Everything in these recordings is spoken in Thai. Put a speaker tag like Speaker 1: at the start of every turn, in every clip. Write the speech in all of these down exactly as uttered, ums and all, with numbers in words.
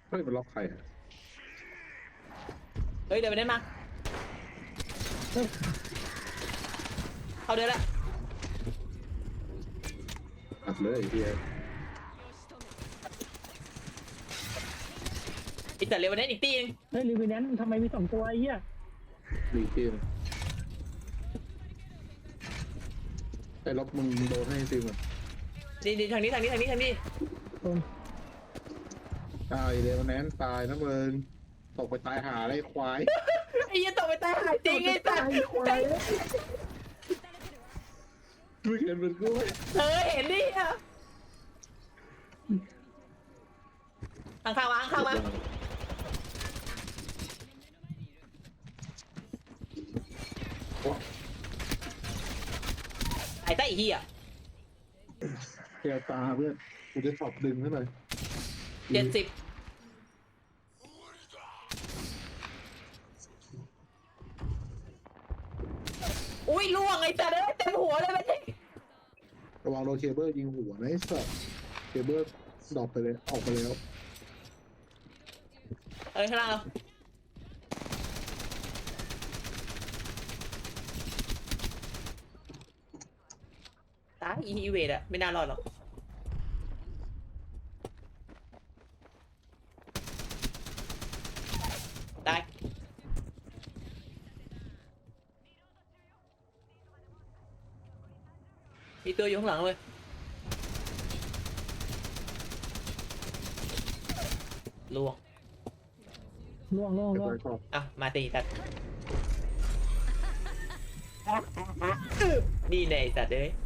Speaker 1: เฮ้ยมันล็อกใครอ่ะ
Speaker 2: เฮ้ยเดินไปได้มาเขาเดินละ
Speaker 1: อัดเลยไอ้เฮีย
Speaker 2: อีกแต่เร็ววันนี้อีกตีนึง
Speaker 3: เฮ้ยรีวิวนั้นทำไมมีสองตัวไอ้เหี้ย
Speaker 1: รีเกมไอ้ล็อกมึงโดนให้ซิมอ่ะ
Speaker 2: ดีดีทางนี้ทางนี้ทางนี้ทางนี้
Speaker 3: ตรง
Speaker 1: ตายเลยวันนั้นตายนะมึงตกไปตายหาอะไรควาย
Speaker 2: ไอ้ยี่ตกไปตายหายจริงไอ้สัตว์
Speaker 1: ไม่เห็นมันกูไหม
Speaker 2: เออเห็นดิอ่ะข้างข้างมาข้างมาไอ้ใต้เหี้ย
Speaker 1: แกวตาเพื่อนกูจะสอบดึงให้หน่อย
Speaker 2: เจ็ดสิบอุ้ยล่วงไอ้สัตว์เอ้ยเต็มหัวเลยไปดิ
Speaker 1: ระวังโดนเคเบิลยิงหัวนะไอ้สัสเคเบิลดรอปไปเลยออกไปแล้ว
Speaker 2: เอ้ยข้างล่างเราตายอีอีเวดอะไม่น่ารอดหรอกตายมีตัวอยู่ข้างหลังเลยล่วง
Speaker 3: ล่วงล่วง
Speaker 1: เก็บ
Speaker 3: ล่วง
Speaker 1: ไว้ชอบ
Speaker 2: อ่ะมาตีตัดนี่ในสัตว์เอ้ย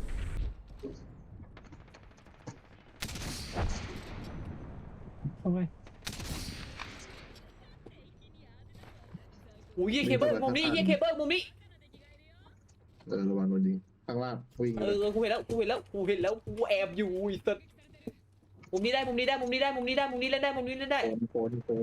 Speaker 3: ทำไม
Speaker 2: โอ้ยเหี้ยเคเบิลมุมนี้เหี้ยเคเบิลมุมนี้
Speaker 1: เออระวังโดนยิงข้างล่างวิ่ง
Speaker 2: เอ
Speaker 1: เลย
Speaker 2: อกูเห็นแล้วกูเห็นแล้วกูเห็นแล้วกูแอบอยู่ไอ้สัตว์มุมนี้ได้มุมนี้ได้มุมนี้ได้มุมนี้ได้มุมนี้เล่นได้มุมนี้เล่นได้
Speaker 1: โคนโคนโคน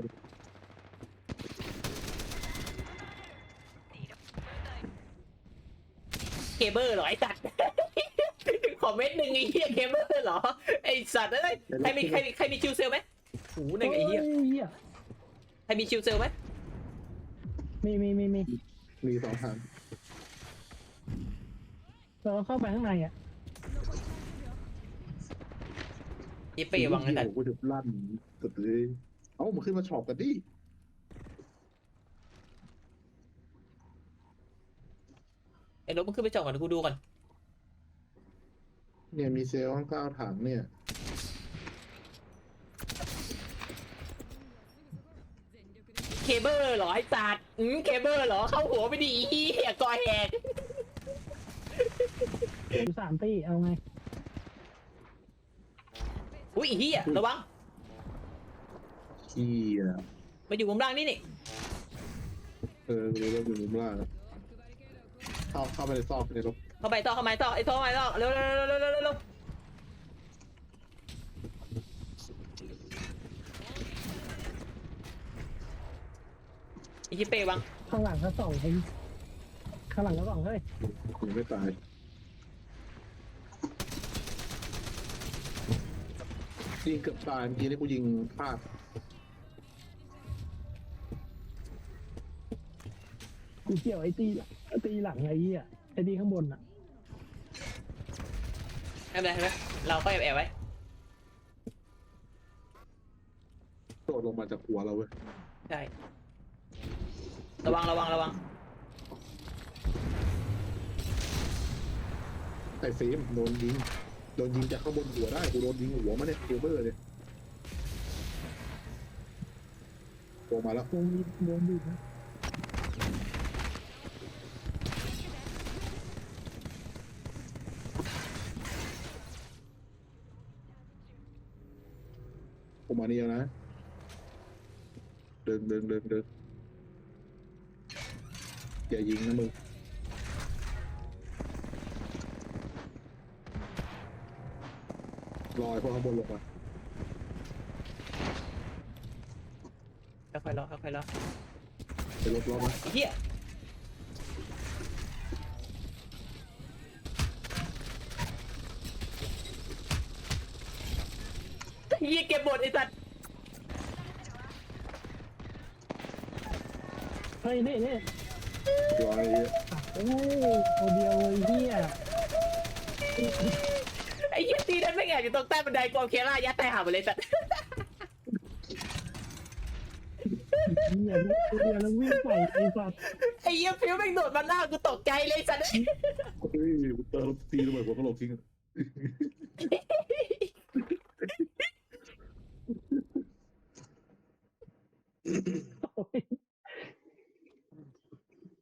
Speaker 2: เคเบิลเหรอไอ้สัตว์ ขอเม็ดหนึ่งไอ้เหี้ยเคเบิลเหรอไอ้สัตว์เอ้ยใครมีใครมีใครมีชิวเซลไหมโอ้โหหนึ่งไอ้เหี้ย
Speaker 3: เหี้ย
Speaker 2: ใครมีชิวเซลไหม
Speaker 3: มีมีมีมี
Speaker 1: มีสองทาง
Speaker 3: เราเข้าไปข้างในอ่ะ
Speaker 2: ยี่เป้วังไอ้สัตว์
Speaker 1: กูถึงลั่นสุดเลยเอ้ามันขึ้นมาฉอบกันดิ
Speaker 2: ไอ้รถมันขึ้นไปจอดก่อนเดี๋ยวกูดูก่อน
Speaker 1: เนี่ยมีเซลล์ข้างก้าวถังเนี่ย
Speaker 2: เคเบิลเหรอไอ้สัตว์อืมเคเบิลเหรอเข้าหัวไปดิอีเหี้ยกอแหก
Speaker 3: อยู่สามตีเอาไง
Speaker 2: อุ้ยไอ้เหี้ยระวัง
Speaker 1: ขี้อ่ะ
Speaker 2: มาอยู่มุมล่างนี่นี่
Speaker 1: เออรู้แล้วอยู่มุมล่างอะเข้าเข้าไปในซอกในรถ
Speaker 2: เข้าไปต่อเข้าไปต่อไอ้ต่อเข้าไปต่อเร็วเร็วเร็วเร็วเร็วเร็วไอ้ยี่เป้วัง
Speaker 3: ข้างหลังก็สองเองข้างหลังก็สองเฮ้ย
Speaker 1: ยังไม่ตายยิงเกือบตายเมื่อกี้นี่กูยิงพลาด
Speaker 3: กูเกี่ยวไอ้ตีตีหลังไอ้เหี้ยไอ้ตีข้างบนอ่ะ
Speaker 2: ไม่เป็นไรไม่เป็นไรเราก็แอบแอบไว้
Speaker 1: โดดลงมาจากหัวเราเว้ย
Speaker 2: ใช่ระวังระวังระวัง
Speaker 1: ไอ้ฟิล์มโดนยิงโดนยิงจากข้างบนหัวได้กูโดนยิงหัวมาเนี่ยเคเบิลเลยโผล่มาแล้ว
Speaker 3: วงบีวงบีบนะ
Speaker 1: ผมมานี่แล้วนะเดินเดินเดินเดินอย่ายิงนะมึงลอยพอข้างบนลงมา
Speaker 2: ค่อยๆรอค่อยๆรอ
Speaker 1: ไปลบล้อมา
Speaker 2: ไอ้เหี้ยเหี้ยเก็บบทไอ้สัตว์
Speaker 3: ฮ้ยนี่นี่
Speaker 1: ร้อย
Speaker 3: โอ้ตัวเดียวเลยเฮีย
Speaker 2: ไอ้เหี้ยตีนั้นไม่แอบอยู่ตรงใต้บันไดกองเคล่ายัดใต้หาไปเลยสัตว์
Speaker 3: เฮียตัวเดียวแล้ววิ่งใส่ไอ้สัตว์
Speaker 2: ไอ้เหี้ยฟิวแม่งโดดมาหน้ากูตกใจเลยสัตว์
Speaker 1: เฮ้ยเติมตีระเบิดหัวกะโหลกทิ้ง